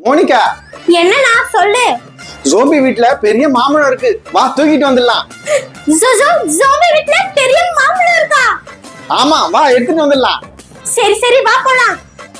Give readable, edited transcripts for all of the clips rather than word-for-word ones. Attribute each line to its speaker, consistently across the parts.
Speaker 1: Monica,
Speaker 2: என்னண்ணா சொல்லு.
Speaker 1: Zombie வீட்ல பெரிய மாம்பழம் இருக்கு, வா தூக்கிட்டு வந்துடலாம்.
Speaker 2: ஜோம்பி வீட்ல பெரிய மாம்பழம் இருக்கா?
Speaker 1: ஆமா, வா எடுத்துட்டு வந்துடலாம்.
Speaker 2: சரி சரி வா போலாம்.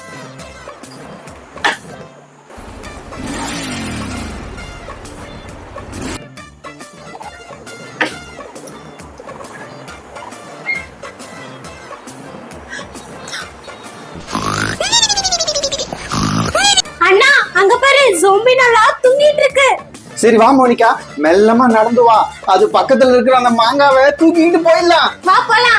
Speaker 2: அண்ணா அங்க பாரு, ஜோம்பி நல்லா தூங்கிட்டு இருக்கு.
Speaker 1: சரி வா மோனிகா, மெல்லமா நடந்து வா, அது பக்கத்துல இருக்கிற அந்த மாங்காவை தூக்கிட்டு போயிடலாம்.
Speaker 2: வா போலாம்.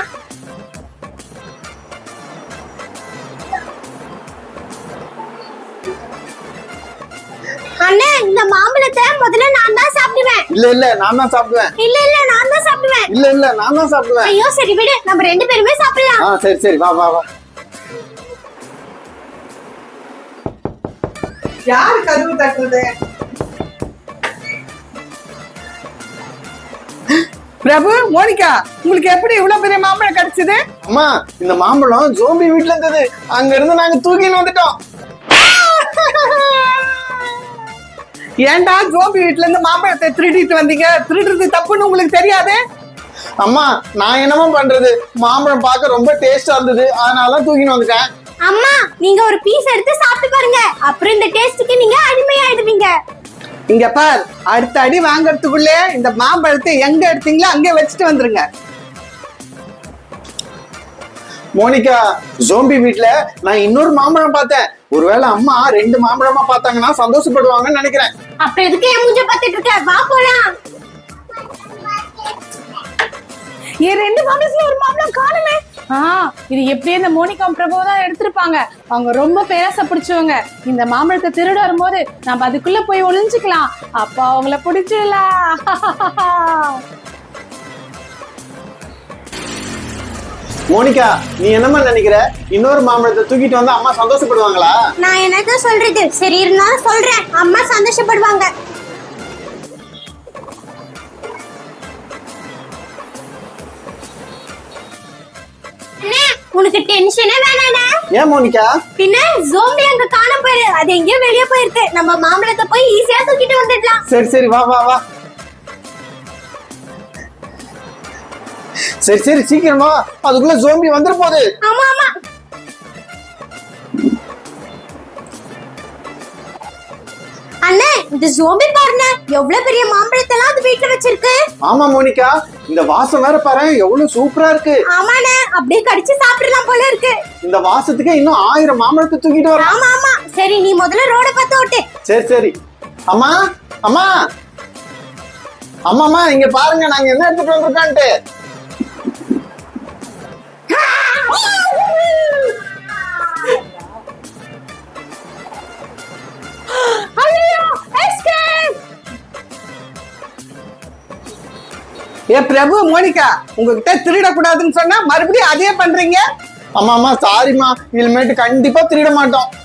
Speaker 2: அண்ணா இந்த மாம்பழத்தை முதல்ல நான் தான் சாப்பிடுவேன்.
Speaker 1: இல்ல இல்ல நான் தான் சாப்பிடுவேன்.
Speaker 2: இல்ல இல்ல நான் தான் சாப்பிடுவேன்.
Speaker 1: இல்ல இல்ல நான் தான் சாப்பிடுவேன்.
Speaker 2: ஐயோ சரி விடு, நம்ம ரெண்டு பேருமே சாப்பிடலாம்.
Speaker 1: சரி சரி வா வா வா.
Speaker 3: யாரு கதவு தட்டுறது? பிரபு, மோனிகா, உங்களுக்கு எப்படி இவ்வளவு பெரிய மாம்பழம் கிடைச்சது?
Speaker 1: அம்மா, இந்த மாம்பழம் ஜோம்பி வீட்ல இருந்தது, அங்க இருந்து நாங்க தூக்கின்னு வந்துட்டோம்.
Speaker 3: ஏன்டா ஜோம்பி வீட்ல இருந்து மாம்பழத்தை திருடிட்டு வந்தீங்க? திருடுறது தப்புன்னு உங்களுக்கு தெரியாது?
Speaker 1: அம்மா, நான் என்னமா பண்றது, மாம்பழம் பார்க்க ரொம்ப டேஸ்டா இருந்தது, அதனால தூக்கின்னு வந்துட்டேன்.
Speaker 2: அம்மா நீங்க ஒரு பீஸ் எடுத்து சாப்பிட்டு பாருங்க, அப்புறம் இந்த டேஸ்டுக்கு நீங்க அடிமையாயிடுவீங்க.
Speaker 3: இங்க பார், அடுத்த அடி வாங்கறதுக்குள்ளே இந்த மாம்பழத்தை எங்க எடுத்தீங்களோ அங்கே வச்சுட்டு வந்துருங்க.
Speaker 1: மோனிகா, ஜோம்பி வீட்ல நான் இன்னொரு மாம்பழம் பார்த்தேன். ஒருவேளை அம்மா ரெண்டு மாம்பழமா பார்த்தாங்கன்னா சந்தோஷப்படுவாங்கன்னு நினைக்கிறேன்.
Speaker 2: அப்புறம் எதுக்கு என் மூஞ்ச பார்த்துட்டு இருக்க? வா போலாம்.
Speaker 4: என் ரெண்டு மாம்பழத்துல ஒரு மாம்பழம் காணுமே. இது எப்படியே இந்த மோனிகா பிரபு தான் எடுத்திருப்பாங்க. அவங்க ரொம்ப பேராசை பிடிச்சவங்க. இந்த மாம்பழத்தை திருட வரும்போது நம்ம அதுக்குள்ள போய் ஒளிஞ்சுக்கலாம், அப்ப அவங்கள பிடிச்சிடலாம்.
Speaker 1: மோனிகா, நீ என்னமா நினைக்கிற, இன்னொரு மாம்பழத்தை தூக்கிட்டு வந்து அம்மா சந்தோஷப்படுவாங்களா?
Speaker 2: நான் என்னத்த சொல்றது, சரி இருந்தாலும் சொல்றேன், அம்மா சந்தோஷப்படுவாங்க. உனக்கு டென்ஷனே வேணானே.
Speaker 1: ஏன் மோனிகா?
Speaker 2: பின்ன ஜோம்பி அங்க காணாம போயிரு, அது எங்கேயோ வெளியே போயிருக்கு. நம்ம மாம்பழத்தை போய் ஈஸியா தூக்கிட்டு வந்துடலாம்.
Speaker 1: சரி சரி வா வா வா. சரி சரி சீக்கிரமா, அதுக்குள்ள ஜோம்பி வந்துற போகுது.
Speaker 2: ஆமா ஆமா. அண்ணே இந்த ஜோம்பி பாருங்க, எவ்வளவு பெரிய மாம்பழத்தெல்லாம் அது வீட்ல வச்சிருக்கு.
Speaker 1: ஆமா மோனிகா, இந்த வாசம் வேற பாரு, எவ்வளவு சூப்பரா இருக்கு.
Speaker 2: ஆமாண்ணே, அப்படியே கடிச்சு சாப்பிடலாம் போல இருக்கு.
Speaker 1: இந்த வாசத்துக்கு இன்னும் 1000 மாம்பழத்தை தூக்கிட்டு வர.
Speaker 2: ஆமா ஆமா. சரி நீ முதல்ல ரோட பார்த்து ஓட்டு.
Speaker 1: சரி சரி. அம்மா அம்மா அம்மா, இங்க பாருங்க நாங்க என்ன எடுத்துட்டு வந்திருக்கான்ட்டு.
Speaker 3: ஏ பிரபு, மோனிகா, உங்ககிட்ட திருடக்கூடாதுன்னு சொன்னா மறுபடியும் அதே பண்றீங்க.
Speaker 1: அம்மா சாரிம்மா, இனிமேட்டு கண்டிப்பா திருட மாட்டோம்.